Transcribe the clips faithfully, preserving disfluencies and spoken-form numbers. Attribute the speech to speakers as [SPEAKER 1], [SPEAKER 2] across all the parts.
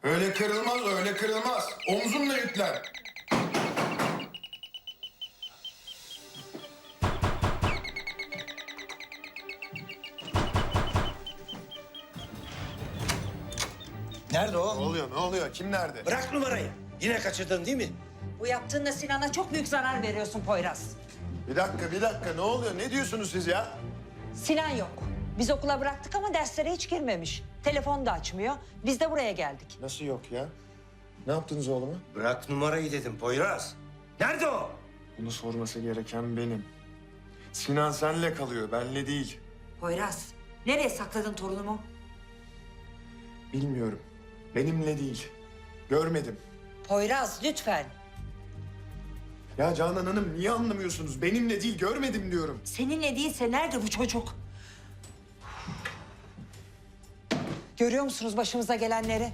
[SPEAKER 1] Öyle kırılmaz, öyle kırılmaz. Omzumla yüklen.
[SPEAKER 2] Nerede o?
[SPEAKER 1] Ne oluyor, ne oluyor? Kim nerede?
[SPEAKER 2] Bırak numarayı. Yine kaçırdın değil mi?
[SPEAKER 3] Bu yaptığınla Sinan'a çok büyük zarar veriyorsun Poyraz.
[SPEAKER 1] Bir dakika, bir dakika. Ne oluyor? Ne diyorsunuz siz ya?
[SPEAKER 3] Sinan yok. Biz okula bıraktık ama derslere hiç girmemiş. Telefonu da açmıyor. Biz de buraya geldik.
[SPEAKER 1] Nasıl yok ya? Ne yaptınız oğluma?
[SPEAKER 2] Bırak numarayı dedim Poyraz. Nerede o?
[SPEAKER 1] Bunu sorması gereken benim. Sinan senle kalıyor, benle değil.
[SPEAKER 3] Poyraz, nereye sakladın torunumu?
[SPEAKER 1] Bilmiyorum. Benimle değil. Görmedim.
[SPEAKER 3] Poyraz, lütfen.
[SPEAKER 1] Ya Canan Hanım niye anlamıyorsunuz? Benimle değil, görmedim diyorum.
[SPEAKER 3] Seninle değilse nerede bu çocuk? Görüyor musunuz başımıza gelenleri?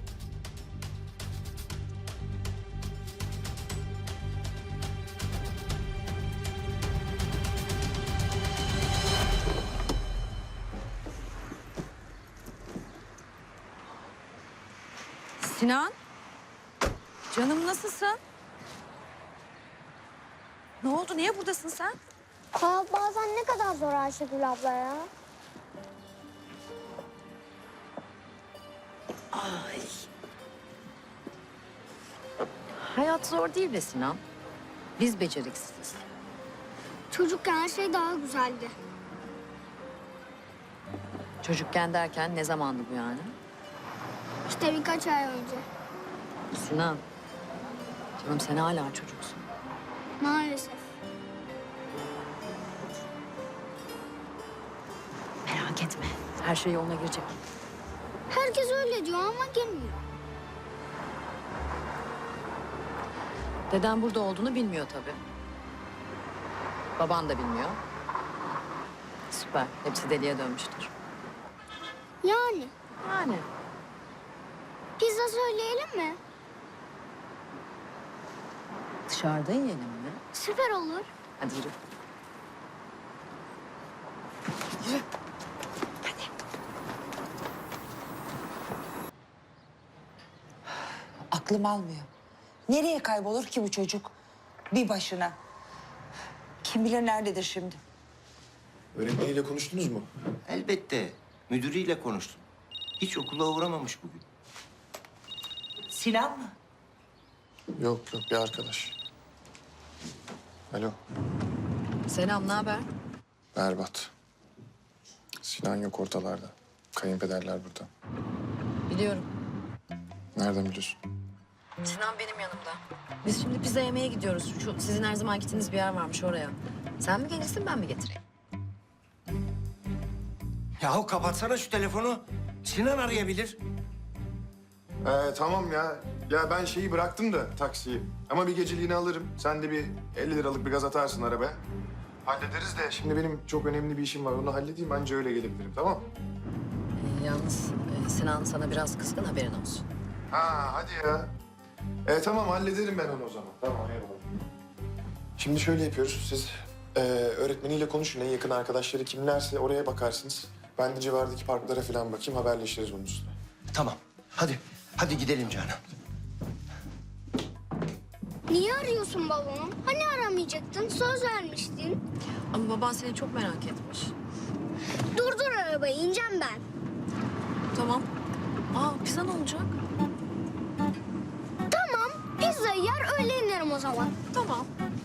[SPEAKER 4] Sinan, canım nasılsın? Ne oldu? Niye buradasın sen?
[SPEAKER 5] Hayat bazen ne kadar zor Ayşegül abla ya.
[SPEAKER 4] Ay. Hayat zor değil be Sinan. Biz beceriksiziz.
[SPEAKER 5] Çocukken her şey daha güzeldi.
[SPEAKER 4] Çocukken derken ne zamandı bu yani?
[SPEAKER 5] İşte birkaç ay önce.
[SPEAKER 4] Sinan, canım sen hala çocuksun.
[SPEAKER 5] Maalesef.
[SPEAKER 4] Merak etme, her şey yoluna girecek.
[SPEAKER 5] Herkes öyle diyor ama girmiyor.
[SPEAKER 4] Deden burada olduğunu bilmiyor tabii. Baban da bilmiyor. Süper, hepsi deliye dönmüştür.
[SPEAKER 5] Yani
[SPEAKER 4] Yani.
[SPEAKER 5] pizza söyleyelim mi?
[SPEAKER 4] Dışarıda yiyelim mi?
[SPEAKER 5] Süper olur.
[SPEAKER 4] Hadi yürü.
[SPEAKER 3] Aklım almıyor. Nereye kaybolur ki bu çocuk? Bir başına. Kim bilir nerededir şimdi?
[SPEAKER 1] Öğretmeniyle konuştunuz mu?
[SPEAKER 2] Elbette. Müdürüyle konuştum. Hiç okula uğramamış bugün.
[SPEAKER 3] Sinan mı?
[SPEAKER 1] Yok yok, bir arkadaş. Alo,
[SPEAKER 4] Selam, ne haber?
[SPEAKER 1] berbat. Sinan yok ortalarda. Kayınpederler burada.
[SPEAKER 4] Biliyorum.
[SPEAKER 1] Nereden biliyorsun?
[SPEAKER 4] Sinan benim yanımda. Biz şimdi pizza yemeye gidiyoruz. Şu sizin her zaman gittiğiniz bir yer varmış oraya. Sen mi gelirsin, ben mi getireyim?
[SPEAKER 2] Yahu kapatsana şu telefonu. Sinan arayabilir.
[SPEAKER 1] Ee, tamam ya. Ya ben şeyi bıraktım da taksiyi. Ama bir geceliğini alırım. Sen de bir elli liralık bir gaz atarsın arabaya. Hallederiz de şimdi benim çok önemli bir işim var. Onu halledeyim anca öyle gelebilirim, tamam?
[SPEAKER 4] Ee, yalnız e, Sinan sana biraz kızgın, haberin olsun.
[SPEAKER 1] Ha hadi ya. E, tamam hallederim ben onu o zaman. Tamam eyvallah. Şimdi şöyle yapıyoruz. Siz e, öğretmeniyle konuşun. En yakın arkadaşları kimlerse oraya bakarsınız. Ben de civardaki parklara falan bakayım. Haberleşiriz onun üstüne.
[SPEAKER 2] Tamam. Hadi. Hadi gidelim Canan.
[SPEAKER 5] Niye arıyorsun babamı? Hani aramayacaktın? Söz vermiştin.
[SPEAKER 4] Ama baban seni çok merak etmiş.
[SPEAKER 5] Durdur arabayı, ineceğim ben.
[SPEAKER 4] Tamam. Aa, pizza ne olacak?
[SPEAKER 5] Tamam, pizzayı yer öyle inerim o zaman.
[SPEAKER 4] Tamam.